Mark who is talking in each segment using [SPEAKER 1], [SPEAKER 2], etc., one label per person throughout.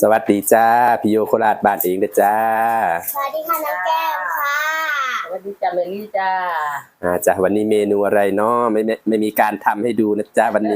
[SPEAKER 1] สวัสดีจ้าพี่โยโคราชบ้านเองเด้อจ้า
[SPEAKER 2] สวัสดีค่ะน้องแก้มค่ะ
[SPEAKER 3] สวัสดีจ้าเมลี่จ้า
[SPEAKER 1] จ้าวันนี้เมนูอะไรเนาะไม่มีการทำให้ดูนะจ้าวันนี้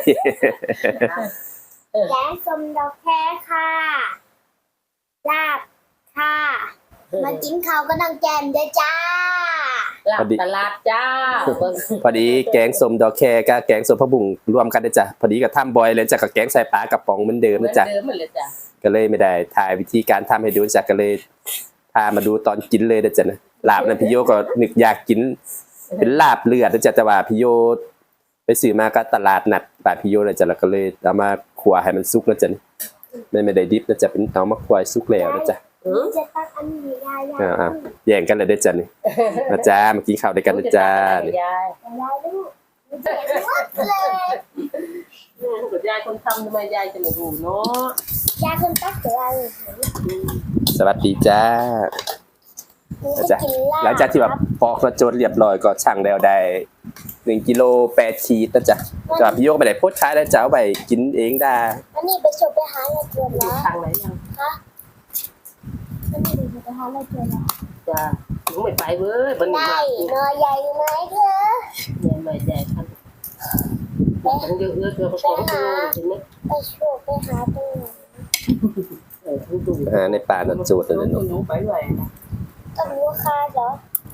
[SPEAKER 2] แกงส้มดอกแคค่ะลาบค่ะมากินข้าวก็น้องแก้มด้วยจ้า
[SPEAKER 3] ลาบตลาดจ้า
[SPEAKER 1] พอดีแกงส้มดอกแคกับแกงส้มผักบุ้งรวมกันนะจ้ะพอดีกับทำบอยเลยจ้ะกับแกงใส่ปลากระป๋องเหมือนเดิมนะจ๊ะ
[SPEAKER 3] เดิมเหมือนเลยจ้ะ
[SPEAKER 1] ก็เลยไม่ได้ถ่ายวิธีการทำให้ดูจ้ะก็เลยพามาดูตอนกินเลยนะจ๊ะนะลาบนั้นพี่โยก็นึกอยากกินเป็นลาบเลือดนะจ๊ะแต่ว่าพี่โยไปซื้อมาก็ตลาดนัดบ้านพี่โยเลยจ้ะแล้วก็เลยเอามาคั่วให้มันสุกนะจ๊ะไม่ได้ดิบนะจ๊ะเป็นเอามาคั่วให้สุกแล้วนะจ๊ะ
[SPEAKER 2] จะตักอันนี้ยาย
[SPEAKER 1] แย่งกันเลยเด้อจ้ะนี่นะจ๊ะมากินข้าวด้วยกันนะจ๊ะนี่
[SPEAKER 3] ยาย
[SPEAKER 2] ลูกเจ๋งมากเลย
[SPEAKER 3] คุณยายคนทำทำไมยายจะไม่รู้เนาะ
[SPEAKER 2] ยายคนตักเสือเลย
[SPEAKER 1] สวัสดีจ้า
[SPEAKER 2] จะกินลาบ
[SPEAKER 1] หลังจากที่แบบปอกกระโจนเรียบร้อยก็ชั่งแล้วได้1กิโล8ขีดนะจ๊ะก็พี่โยกไปไหนโพสต์ขายแล้วจ้าเอาไปกินเองได้
[SPEAKER 2] อันนี้ไปชมไปหาอะไรเกินแล้ว
[SPEAKER 3] ทางไหนยัง
[SPEAKER 2] คะอันนี้ไปหาอะไรเกินแล้ว
[SPEAKER 3] จ้าหนูไม่ไปเว้ยบันนี้
[SPEAKER 2] ได้
[SPEAKER 3] มาน
[SPEAKER 2] อใหญ่ไหมเธอ
[SPEAKER 3] เนี่ยไม่ใหญ่ครับต้องเยอะๆเธอผสมกันเลยใช่ไหม
[SPEAKER 2] ไปชมไปหาตรงไหน
[SPEAKER 3] ทุกดู
[SPEAKER 1] ในป่าน่ะโจทย์เลยเนาะ
[SPEAKER 3] หนูไปไหวนะ
[SPEAKER 2] ต้องรู้ค่าเหรอ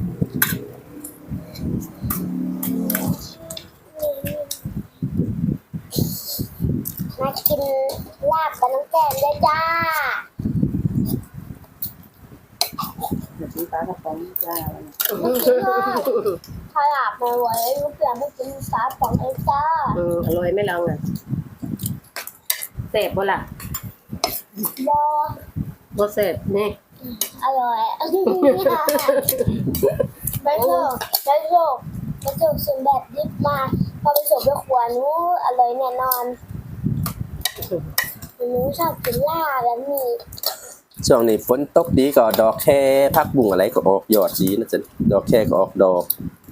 [SPEAKER 2] มากินลาบกับน้ำแกงด้วยจ้า
[SPEAKER 3] ซื้อปลากระป๋องจ้า
[SPEAKER 2] ถ้าลาบมาไว้ลูกเสือไม่กินปลาป๋องเลยจ้า
[SPEAKER 3] อร่อยไหมเราอ่ะเสพบ่ล่ะ
[SPEAKER 2] บอ
[SPEAKER 3] บ่เสพนี่
[SPEAKER 2] อร่อยไปโชคส่วนแบบดิบมาพอไปส่งไปขวานู้อร่อยแน่นอนหนูชอบกินลาบแบบนี้
[SPEAKER 1] ช่วงนี้ฝนตกดีก็ดอกแค่ผักบุ้งอะไรก็ออกยอดดีนะจ๊ะดอกแค่ก็ออกดอก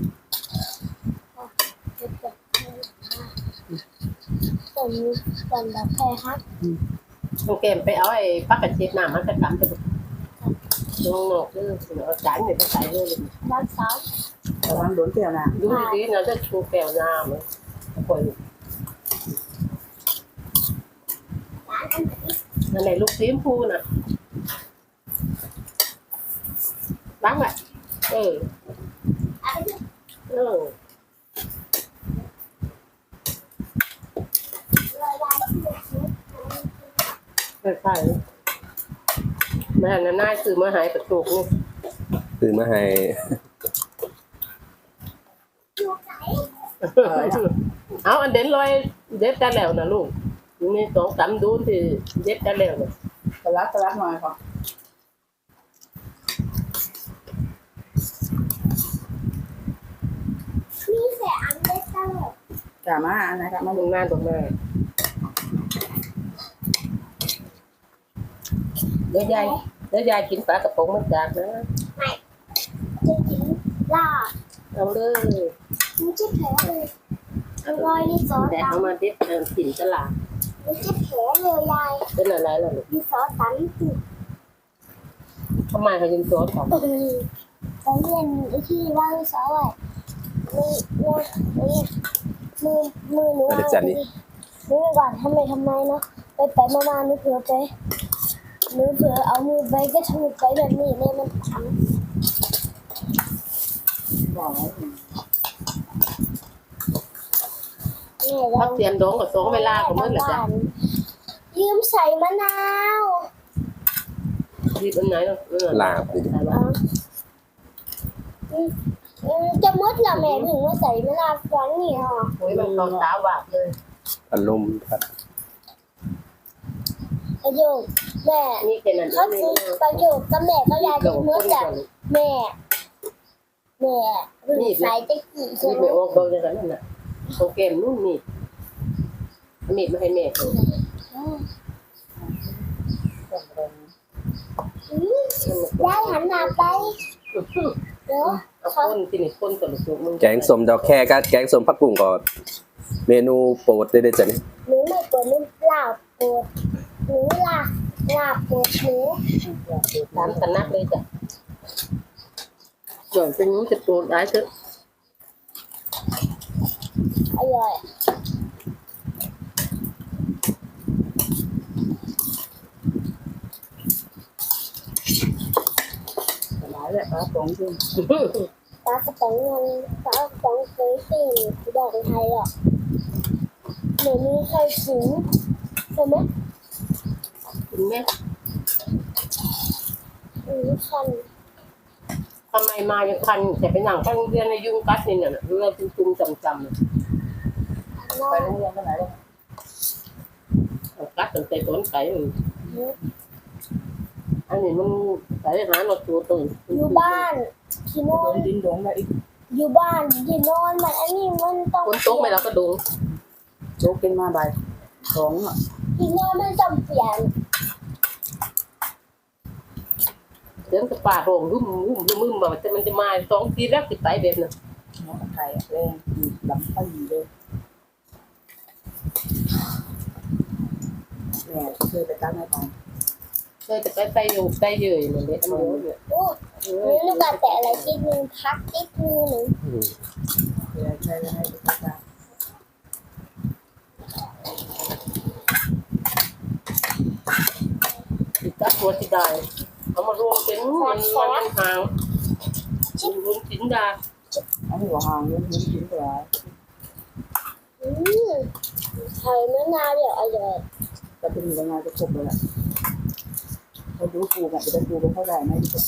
[SPEAKER 2] ส่วนแบบแพ้ฮัก
[SPEAKER 3] น้องเกมไปเอาไอ้ปักกระเจี๊ยบน้ำมันกระกำไปบุกลงหนกเด้อเอาจานเนี่ยไปใส่เลย
[SPEAKER 2] ด้านซ้าย
[SPEAKER 4] ระวังโดนเปรี้ยวนะ
[SPEAKER 3] ดูดีๆนะจะชูแก้วน้ำเลยปล่อยนั่นไหนลูกสีชมพูน่ะล้างอ่ะเออเออใช่แม่น่ะน่าซื้อมาหายประตูนี่
[SPEAKER 1] ซื้อมาให้
[SPEAKER 3] เอาอันเด่นลอยเด็ดกันแล้วนะลูกนี่สองสามดูนที่เด็ดกันแล้วเนี่ย
[SPEAKER 4] ตะลักหน่อยค่ะ
[SPEAKER 2] มีแต่อันเล็กตลอด
[SPEAKER 4] กามาอันไหนกามา
[SPEAKER 3] ตรงหน้าเดี๋ยวยายกินปลากระป๋องมาจากนะ
[SPEAKER 2] จะกินลาบ
[SPEAKER 3] เอาเลย
[SPEAKER 2] ไม่ใช่แผลเลยอร่อยนี่ซอส
[SPEAKER 3] แต่
[SPEAKER 2] ตั
[SPEAKER 3] เอา
[SPEAKER 2] น
[SPEAKER 3] มาเด็ดถิ่นตลาด
[SPEAKER 2] ไม่ใช่แผลเลยยาย
[SPEAKER 3] เป็นอะไรล่ะลูก
[SPEAKER 2] มีซอสตันติด
[SPEAKER 3] ทำไมเขาจึงซอสของ
[SPEAKER 2] ตอนเรียนที่ว่างซอสมีมือหนูนึกก่อนทำไมเนาะไปมาหนูเผลอเอามือไปก็ทำไปแบบนี้เลยมันขัง
[SPEAKER 4] บอกไว้
[SPEAKER 3] พักเสียนดองกับสองเวลาของมันแหละจ้ะ
[SPEAKER 2] ยืมใส่มะนาว
[SPEAKER 3] รีบอันไหนเนาะ
[SPEAKER 1] ลาบดิ
[SPEAKER 2] จะมดละแม่ถึงว่าใส่มะนาวฟังนี่ฮะ
[SPEAKER 3] โอ้ยมันตาหวานเลย
[SPEAKER 1] อารมณ์ครับ
[SPEAKER 2] ประโยคแม่
[SPEAKER 3] นี่แค่นั้น
[SPEAKER 2] เขาคือประโยคกับแม่ก็ยายเป็นมดจากแม่ใส่จะกี่
[SPEAKER 3] นี่
[SPEAKER 2] ใช่ไหม
[SPEAKER 3] ไม่ออกเบอร์เลยนั่นน่ะโอเคนู่นนี่มีดมาให้แม่
[SPEAKER 2] ยายหันหน้าไปเดี๋ยว
[SPEAKER 3] เอาคนที่นี่คนกับลูกมึง
[SPEAKER 1] แกงส้มดอกแค่กับแกงส้มผักบุ้งก็เมนูโปรดเลยเด้อจ้ะนี่
[SPEAKER 2] หนูไม่ปวดหนูเปล่าปวดหนูล่ะลาบหมูหมู
[SPEAKER 3] ตามกันนักเลยจ้ะส่วนเป็นนู้นจะโปรดได้เถอะ
[SPEAKER 2] อร่อย
[SPEAKER 4] หลายแหละปลาตรงขึ้น
[SPEAKER 2] ปลากระป๋องเงินปลากระป๋องเคยสิ่งดอกไทยหรอกเดี๋ยวนี้ใครถึงใช่ไหม
[SPEAKER 3] คุณแม่
[SPEAKER 2] คัน
[SPEAKER 3] ทำไมมายังคันแต่ไปหนังข้างเรียนในยุงกัดนี่เนี่ยเราจุ่มๆจำ
[SPEAKER 2] น่า
[SPEAKER 4] ไปโรงเรียนไปไหนเลย
[SPEAKER 3] ๆกัดตั้งแต่ต้นไปอันนี้มันไปหาหนอตัวตึง
[SPEAKER 2] อยู่บ้านที่นอ
[SPEAKER 4] โด
[SPEAKER 2] น
[SPEAKER 4] นดินดงแล้วอีก
[SPEAKER 2] อยู่บ้านที่นอนมันอันนี้มันต้อง
[SPEAKER 3] คนโต๊ะไม่เราก็ดู
[SPEAKER 4] โจ๊กกินมาบ่ายสองอ่ะ
[SPEAKER 2] ที่นอนมันต้องเปลี่ยน
[SPEAKER 3] เดินกับป่าโรงรุ่มแบบมันจะมา2 ทีแรกติดไปแบบนั้น
[SPEAKER 4] น้องไข่แรงลำไส้เลยเนี่ยเคยไปตั้งให้ฟัง
[SPEAKER 3] เลยจะไปอยู่ไปเยยเลยเนี่ยมันเยอะเนี่ย
[SPEAKER 2] โอ้นี่ลูกกาแต่อะไรติดมือพักติดมือหนึ่ง
[SPEAKER 4] เคยใช้ให้ไปตั้ง
[SPEAKER 3] ติดกัดตัวที่ได้เอามารวมเป็นมันหางรวมสินดา
[SPEAKER 4] อันนี้หัวหางเรื่องนี้กินไปแล้ว
[SPEAKER 2] ไข่มะนาวเดี๋ยวอร่อย
[SPEAKER 4] จะเป็นยังไงจะครบเลยแหละเราดูปูกันจะดูไปเท่าไหร่นะที่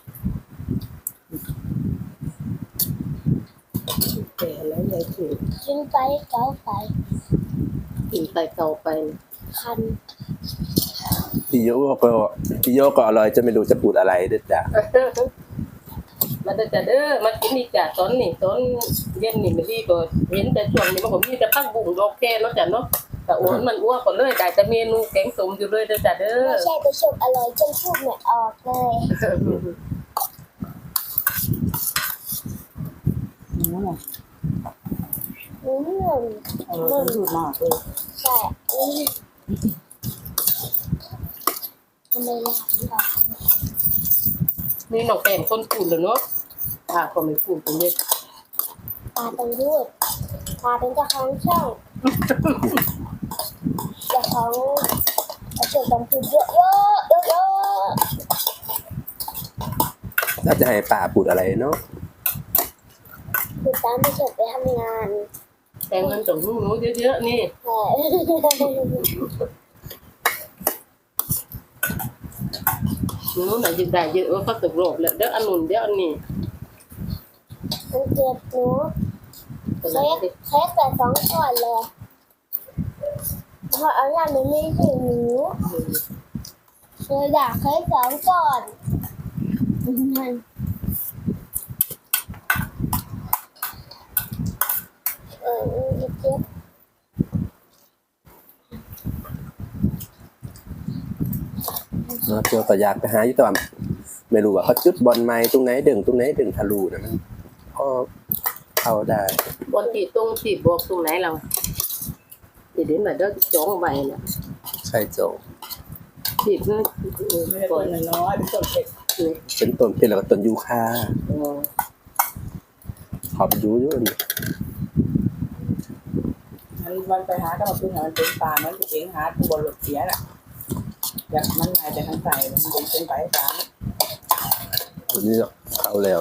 [SPEAKER 4] แต่แล้วยายถือ
[SPEAKER 2] กินไปเกาไป
[SPEAKER 3] กินไปเก่าไป
[SPEAKER 2] คัน
[SPEAKER 1] พี่โยก็อร่อยจะไม่รู้จะพูดอะไรเด้อจ้ะ
[SPEAKER 3] มาจะเด้อมากินนี่จ้ะตอนนี้ตอนเย็นนี่ไม่ดีก็เห็นแต่ช่วงนี้มันก็มีแต่พักบุ้งโอเคเนาะจ้ะเนาะแต่อ้วนมันอ้วนก็เลยได้แต่เมนูแกงส้มอยู่เลยเด้อจ้ะเด้อ
[SPEAKER 2] ไม่ใช่ไปสุกอร่อยจนพูดไม่ออกเลย
[SPEAKER 4] นั่นแหละ
[SPEAKER 2] อืม
[SPEAKER 4] เราดูมากเลย
[SPEAKER 2] ใช่ทำไมล่ะพี่บอก
[SPEAKER 3] นี่น้องแป้งคนพูดเลยเนาะก็ไม่พูดตรงนี้
[SPEAKER 2] ตาต้องรูดตาเป็นเจ้าของช่องเจ้าของเจ้าต้องพูดเยอะเยอะเยอะเยอะ
[SPEAKER 1] น่าจะให้ป้าพูดอะไรเนาะ
[SPEAKER 2] คือตามไปเฉยไปทำงาน
[SPEAKER 3] แต่งมันต้องรู้เยอะๆนี่
[SPEAKER 2] แต่
[SPEAKER 3] นู้นน่ะยิ่งได้เยอะเขาตกโลกแล้วเดี๋ยวอันนู้นเดี๋ยวอันนี้
[SPEAKER 2] มันเกิดหนูเค้กแต่2 ก้อนเลยเพราะเอาอย่างนี้ถึงหนูเลยอยากเค้ก2 ก้อนมันเจ็บ
[SPEAKER 1] เนาะเจ้าก็อยากไปหาอยู่แต่ว่าไม่รู้ว่าเขาจุดบอลไม้ตรงไหนดึงทะลุนะมันพอเข้าได้
[SPEAKER 3] บนที่ตรงที่บวกตรงไหนเราเดี๋ยวมาเดี๋ยวจ้องไว้น่ะ
[SPEAKER 1] ใช่โจ
[SPEAKER 3] ที่มัน
[SPEAKER 4] ไม่ได้คนน้อยเป็นต้นเผ็ด
[SPEAKER 1] เป็นต้นเพชรแล้วก็ต้นยูคาขอบดูอยู่นี่
[SPEAKER 4] มันไปหาก็มาพึ่งหามันเป็นปลามันเองหาตัวหลุดเสียน่ะอยากมันหายใจทางใส่มันเป็นไปสาม
[SPEAKER 1] ตัวนี้เข้าแล้ว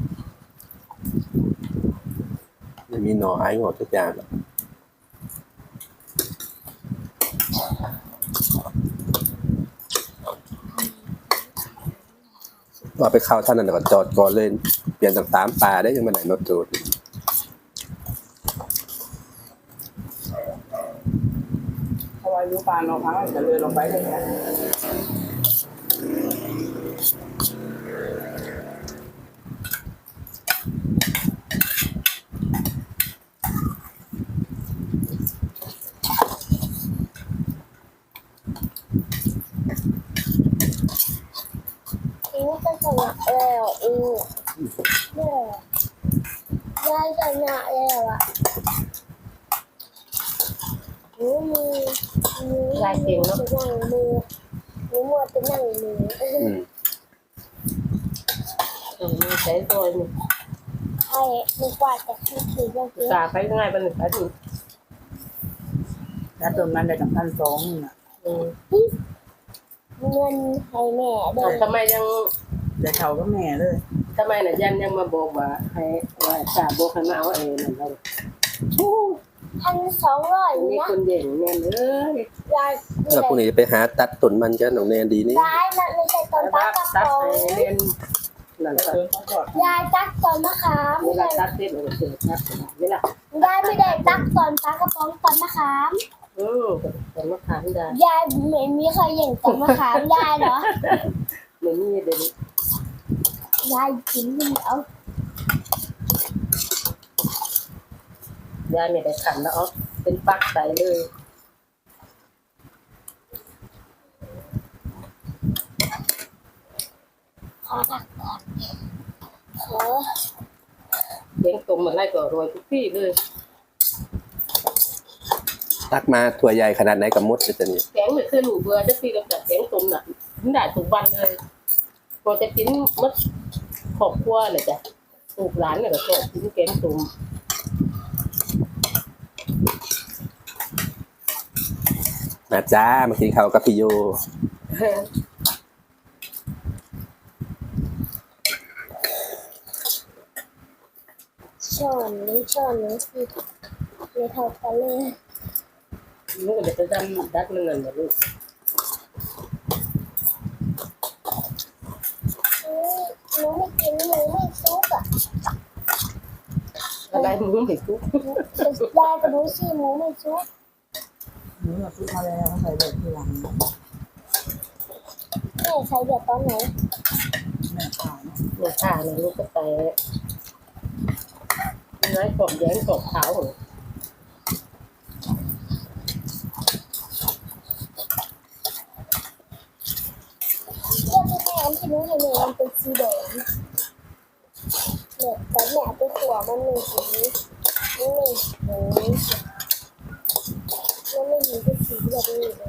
[SPEAKER 1] ไม่มีหน่อไอ้หงอกทุกอย่างหรอกว่าไปเข้าท่านนั่นก็จอดก่อนเลยเปลี่ยนต่างๆปลาได้ยังมาไหนนอโจด
[SPEAKER 4] เพราะว่ายุปลาเราพังจะเลยลงไปเลยนะ
[SPEAKER 2] นี่ก็ชนะแล้วเนี่ยได้ชนะแล้วอ่ะมือชนะมือหนูมัวแต่นั่งหนู
[SPEAKER 3] มีใช้ซอยนี่
[SPEAKER 2] ใช่หนูกวาดแต่ที่ถือยังเย
[SPEAKER 3] สา
[SPEAKER 2] อะ
[SPEAKER 3] ไปง่ายไปหนึ่งไปถึง
[SPEAKER 4] แล้วต้นมันได้กับ1,200นี่น่ะ
[SPEAKER 2] เงินให้แม่เด้อ
[SPEAKER 3] ทำไมยัง
[SPEAKER 4] แต่เขาก็แม่เลย
[SPEAKER 3] ทำไมน่ะยันยังมาบอกว่าให้ว่าสาบอกให้มาเอาเองนั่นเรา
[SPEAKER 2] 1,200
[SPEAKER 3] มี
[SPEAKER 2] นะ
[SPEAKER 3] คนเด่นแน่เลย
[SPEAKER 2] ยาย
[SPEAKER 1] แล้วพรุ่งนี้จะไปหาตัดต้นมันกันน้องแนนดีนี่
[SPEAKER 2] ยายนั่นไม่ใช่ต้น
[SPEAKER 3] ตั
[SPEAKER 2] ตา
[SPEAKER 3] ด
[SPEAKER 2] กระ
[SPEAKER 3] ตัด
[SPEAKER 2] ป๋อง
[SPEAKER 3] ให้เรียนนั่น
[SPEAKER 4] แล้ว
[SPEAKER 3] ก็
[SPEAKER 4] ต้นเขาก็
[SPEAKER 2] ยายตักต้นมะขาม
[SPEAKER 3] เวลาตัดเสร็จเราก็เสร็จครับนี่แหละ
[SPEAKER 2] ยายไม่ได้ตักต้นตากระป๋องต้นมะขาม
[SPEAKER 3] แต่มะขามได้
[SPEAKER 2] ยายไม่มีใครเห็นต้นมะขามยายเหรอ
[SPEAKER 3] ไม่มีเดี๋ยวนี้
[SPEAKER 2] ยายกินมันเอา
[SPEAKER 3] ยายไม่ได้ขันแล้วอ๋อเป็นปักใส่เลย
[SPEAKER 2] ขอตักก่อนขอ
[SPEAKER 3] เลี้ยงตรงมาไล่ก็รวยทุกที่เลย
[SPEAKER 1] ตักมาถั่วใหญ่ขนาดไหนกับมดจะนี่
[SPEAKER 3] แกงไม่เคยหนูเบื่อจะตีกับจัดแกงตุ่มน่ะกินได้ทุกวันเลยพอจะกินมัดขอบครัวเลยจ้ะลูกหลานเนี่ยก็ชอบกินแกงตุ่ม
[SPEAKER 1] มาจ้ามากินข้าวกับพี่โย
[SPEAKER 2] ช้อนนี้ช้อนนี้สิไม่เท่ากันเลย
[SPEAKER 3] ลูกจะดำดัดมันนั่นแหละลูก
[SPEAKER 2] หนูไม่กินหนูไม่ซุกอ่ะ
[SPEAKER 3] อะไรมึงไม่ทุก
[SPEAKER 2] ยายกับหนูสิหนูไม่ซุก
[SPEAKER 4] หนูซื้อมาแล้วเขาใส่เด็กทีหลัง
[SPEAKER 2] แม่ใช้เดือดตอนไหน
[SPEAKER 4] แม่ขาย
[SPEAKER 3] เนี่ยข้าเนี่ยลูกก็ไปน้อยกบแย้งกบขาวเหรอ
[SPEAKER 2] เรื่องที่แม่อันที่หนูเห็นมันเป็นสีแดงเนี่ยแต่แม่ไปขวมันเป็นสีนี่หนูมันไม่เห็นเป็นสีแบบนี้เลย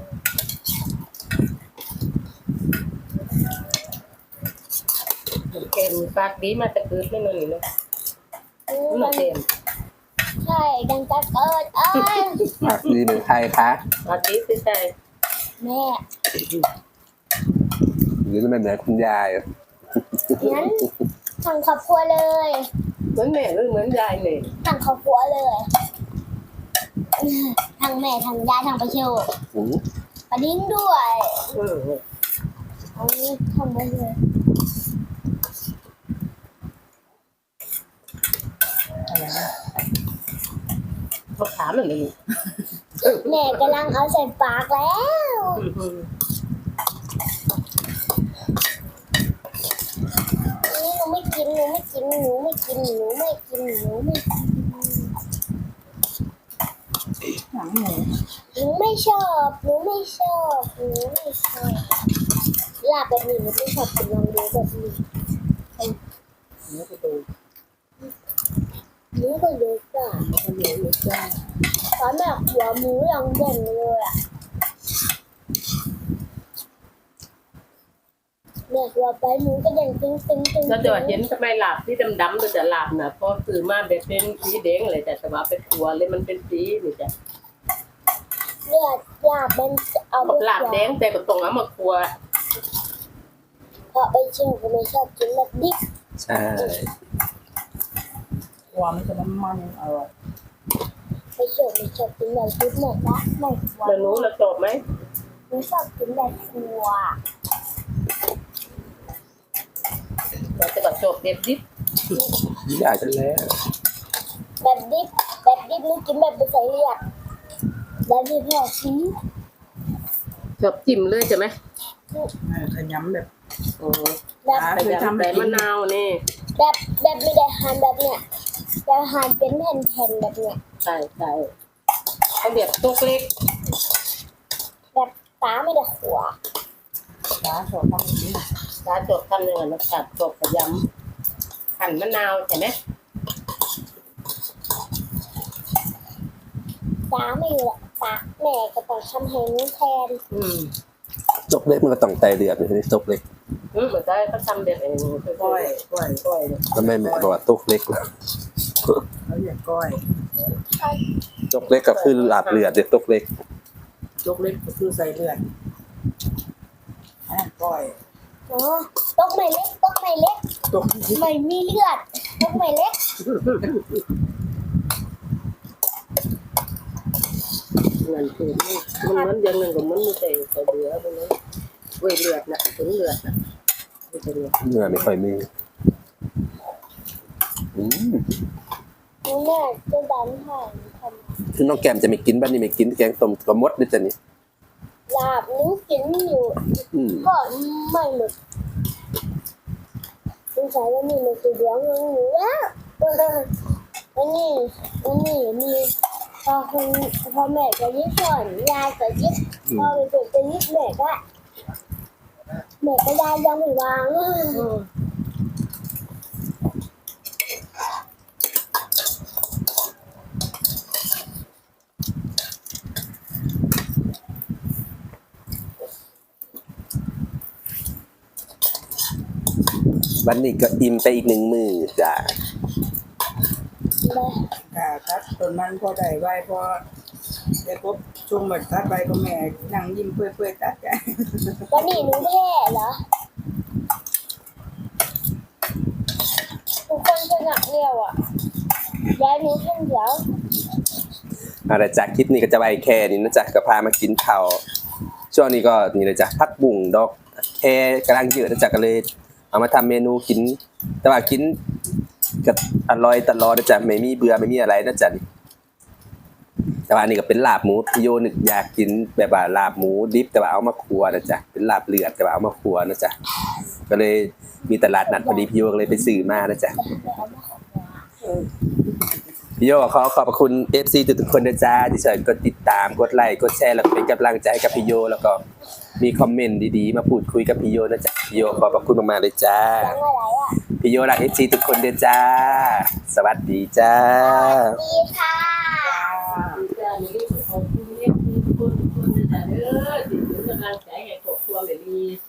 [SPEAKER 3] แกมีปากดีมาแต่เกิดไม่นอนนี่เนาะ
[SPEAKER 2] อืม
[SPEAKER 3] มันเต็ม
[SPEAKER 2] ใช่ดังจะเกิด
[SPEAKER 1] ดีเหมือนไทยคะ
[SPEAKER 3] ปากดีสิใช่
[SPEAKER 2] แม่
[SPEAKER 1] หรือมันเหมือนคุณยาย
[SPEAKER 2] งั้นทางครอบครัวเลย
[SPEAKER 3] เหมือนแม่หรือเหมือนยายเนี่ย
[SPEAKER 2] ทางครอบครัวเลยทางแม่ทางยายทางประโยชน์
[SPEAKER 1] อืม
[SPEAKER 2] ปะดิ้งด้วย
[SPEAKER 3] อืม
[SPEAKER 2] เอานี้ทำไปเลย
[SPEAKER 4] อะไรนะ
[SPEAKER 3] มะขามมันเลย
[SPEAKER 2] แม่กำลังเอาใส่ปากแล้ว นี่หนูไม่กินหนูไม่กินหนูไม่กินหนูไม่กินหนูไม่กิน
[SPEAKER 4] หนังหมู
[SPEAKER 2] หนูไม่ชอบหนูไม่ชอบหนูไม่ชอบลาบแบบนี้หนูไม่ชอบกินลองดูแบบนี้
[SPEAKER 4] หมูกระดูก
[SPEAKER 2] หนูก็เยอะจ้ะ
[SPEAKER 4] หมูกระดูกหมูจ้า
[SPEAKER 2] ตอนแม่หัวหมูยังเด่นเลยอ่ะแม่หัวไปหนูก็เด่นตึงตึงตึง
[SPEAKER 3] แล้วจะว่าเห็นทำไมหลาบที่ดำๆเลยแต่หลาบน่ะพอซื้อมาแบบเป็นสีแดงเลยแต่ว่าเป็นตัวเลยมันเป็นสีนี่จ้ะ
[SPEAKER 2] เลือดลาบมันเอาไป
[SPEAKER 3] หลาบแดงแต่ก็ต้องเอามาครัว
[SPEAKER 2] เพราะไปเชื่อก็ไม่ชอบกินแบบดิบ
[SPEAKER 1] ใช่
[SPEAKER 4] ความมันจะมันอร่อย
[SPEAKER 2] ไปเชื่อไม่ชอบกินแบบดิบแม่นะแม่หัว
[SPEAKER 3] แล้วหนูเราจบไหม
[SPEAKER 2] หนูชอบกินแบบหัว
[SPEAKER 3] เราจะแบบจบเด็ดดิบ
[SPEAKER 1] อยากจะแล้ว
[SPEAKER 2] แบบดิบหนูกินแบบไปใส่เลือดแบบดิบแม่ชี้
[SPEAKER 3] จบจิ้มเลยใช่ไหม
[SPEAKER 4] ขยำแบบ
[SPEAKER 3] อ๋อ
[SPEAKER 2] แบบ
[SPEAKER 3] ใส่ยำใส่มะนาวนี่
[SPEAKER 2] แบบไม่ได้หั่นแบบเนี้ยแต่หั่นเป็นแผ่นๆแบบเนี้ย
[SPEAKER 3] ใช่ใช่เขาแบบตุกเล็ก
[SPEAKER 2] แบบตาไม่ได้ขัว
[SPEAKER 4] ร้านสดต้องกิน
[SPEAKER 3] ร้านจบทำยังไงนะกัดจบกับยำหั่นมะนาวใช่ไหม
[SPEAKER 2] ตาไม่อยู่หรอกตาแม่ก็ต้องทำให้หนูแทน
[SPEAKER 3] อืม
[SPEAKER 1] จกเล็กมันก็ต้องไตเลือดไม่ใช่จกเล็ก
[SPEAKER 3] เหมือนได้เขาทำแบบเอง
[SPEAKER 4] ก้อยเนี่ย
[SPEAKER 1] ทำไมแม่บอกว่าตกเล็กล่ะ
[SPEAKER 4] เขาเรียกก้อย
[SPEAKER 1] จกเล็กก็คือลาบเลือดเด็กตกเล็ก
[SPEAKER 4] ยกเล็กก็คือใส่เลือดก้อย
[SPEAKER 2] อ๋อตกไม่เล็ก
[SPEAKER 4] ตก
[SPEAKER 2] ไม่มีเลือดตกไม่เล็ก
[SPEAKER 3] เงินคือมันอย่างหนึ่งกับมันมีแต่เดือดตรงนั้นเว้ยเลือดนะถึงเลือดนะไม่ใช่เลือด
[SPEAKER 1] เนื้อไม่ค่อยมีอืม
[SPEAKER 2] แม่จะดันผ่านทำ
[SPEAKER 1] คือน้องแก้มจะไม่กินบ้านนี้ไม่กินแกงต้มกระมดด้วยจ้ะนี่
[SPEAKER 2] ลาบนิ้วกินอยู่
[SPEAKER 1] อืม
[SPEAKER 2] ก็ไม่หมดสงสัยว่ามีมันคือเลี้ยงเงินอยู่แล้ววันนี้มีพอแม่ก็ยิบส่วนยายก็ยิบพอไปเปิดเป็นยิบแม่ก็ยายยังไม่วาง
[SPEAKER 1] วันนี้ก็อิ่มไปอีก1 มื้อจ้ะ
[SPEAKER 4] ถ้าต้นมันพอได้ไว้พอได้ครบช่วงหมดตัดไปก็แม่นั่งยิ้มเปื่อยๆตัดใจ
[SPEAKER 2] วันนี้หนูแพ้เหรอทุกคนจะหนักเดียวอ่ะยายหนูคนเดียว
[SPEAKER 1] เอาละจากคลิปนี้ก็จะไปแค่นี้นะจ๊ะก็พามากินข้าวช่วงนี้ก็นี่เลยจ้ะผักบุ้งดอกแค่กำลังเยอะนะจ๊ะก็เลยเอามาทำเมนูกิน แต่ว่ากินก็อร่อยตลอดนะจ๊ะไม่มีเบื่อไม่มีอะไรนะจ๊ะนี่แต่ว่าอันนี้ก็เป็นลาบหมูพี่โยนึกอยากกินแบบว่าลาบหมูดิบแต่ว่าเอามาคั่วนะจ๊ะเป็นลาบเลือดแต่ว่าเอามาคั่วนะจ๊ะก็เลยมีตลาดนัดพอดีพี่โยก็เลยไปซื้อมานะจ๊ะ พี่โยขอขอบพระคุณ FC ทุกๆคนนะจ๊ะที่ช่วยกดติดตามกดไลค์กดแชร์แล้วก็เป็นกำลังใจให้กับพี่โยแล้วก็มีคอมเมนต์ดีๆมาพูดคุยกับพี่โยนะจ๊ะพี่โยขอบพระคุณมากๆเลยจ้า
[SPEAKER 2] ยังอะไรอ่ะ
[SPEAKER 1] พี่โยรัก FC ทุกคนเด้อจ้า สวัสดีจ้า
[SPEAKER 2] ดีค่ะ
[SPEAKER 3] จ้ามีขอบคุณทุกคนจะเด้อที่เป็นกำลังใจให้ครอบครัวแบบนี้